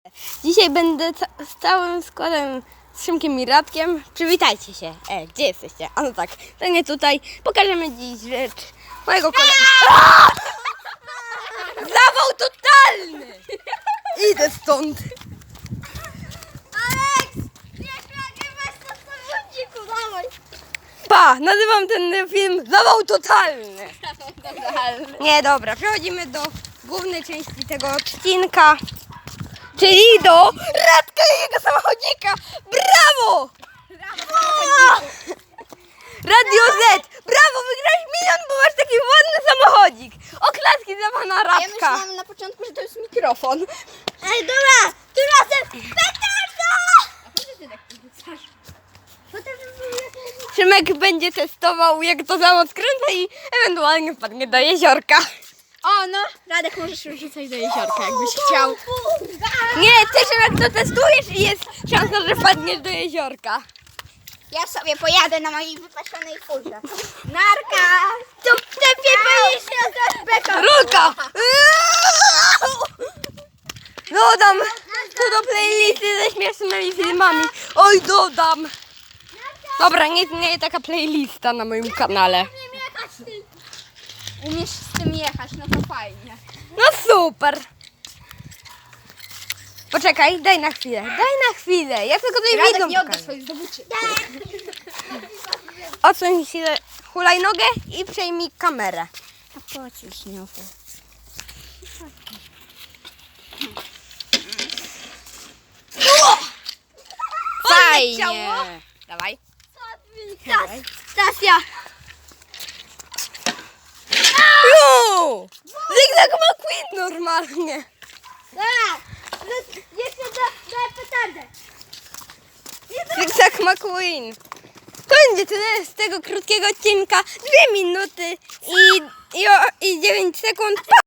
Dzisiaj będę z całym składem, z Szymkiem i Radkiem. Przywitajcie się. Gdzie jesteście? A no tak, to nie tutaj. Pokażemy dziś rzecz mojego kolegi. Zawał totalny! Idę stąd. Aleks! Nie weź to w samochodziku, dawaj! Pa, nazywam ten film Zawał totalny. Nie, dobra, przechodzimy do głównej części tego odcinka. Czyli do Radka i jego samochodzika. Brawo! Radio Z! Brawo, wygrałeś milion, bo masz taki ładny samochodzik. Oklaski dla pana Ja Radka. myślałam na początku, że to jest mikrofon. Ej, dobra! Tym razem petarda! A po co ty tak podrzucasz? Szymek będzie testował, jak to samo skręca i ewentualnie wpadnie do jeziorka. O, no! Radek, możesz już rzucać do jeziorka, jakbyś chciał. Nie, ty Szymek to testujesz i jest szansa, że wpadniesz do jeziorka. Ja sobie pojadę na mojej wypasionej furze. Narka! Tu lepiej boisz się za beka! Rulka! Dodam tu do playlisty ze śmiesznymi filmami. Oj, dodam. Dobra, nie taka playlista na moim kanale. Umiesz z tym jechać, no to fajnie. No super. Poczekaj, daj na chwilę. Ja tylko tutaj Radek, widzą nie odda pokażę. swoich zdobyczy. Odsuń się hulajnogę i przejmij kamerę. A po co śniofę? Fajnie. Dawaj. Stasia! Zygzak McQueen normalnie. Jeszcze daj petardę. Zygzak McQueen. To będzie tyle z tego krótkiego odcinka. 2 minuty i 9 sekund. Pa!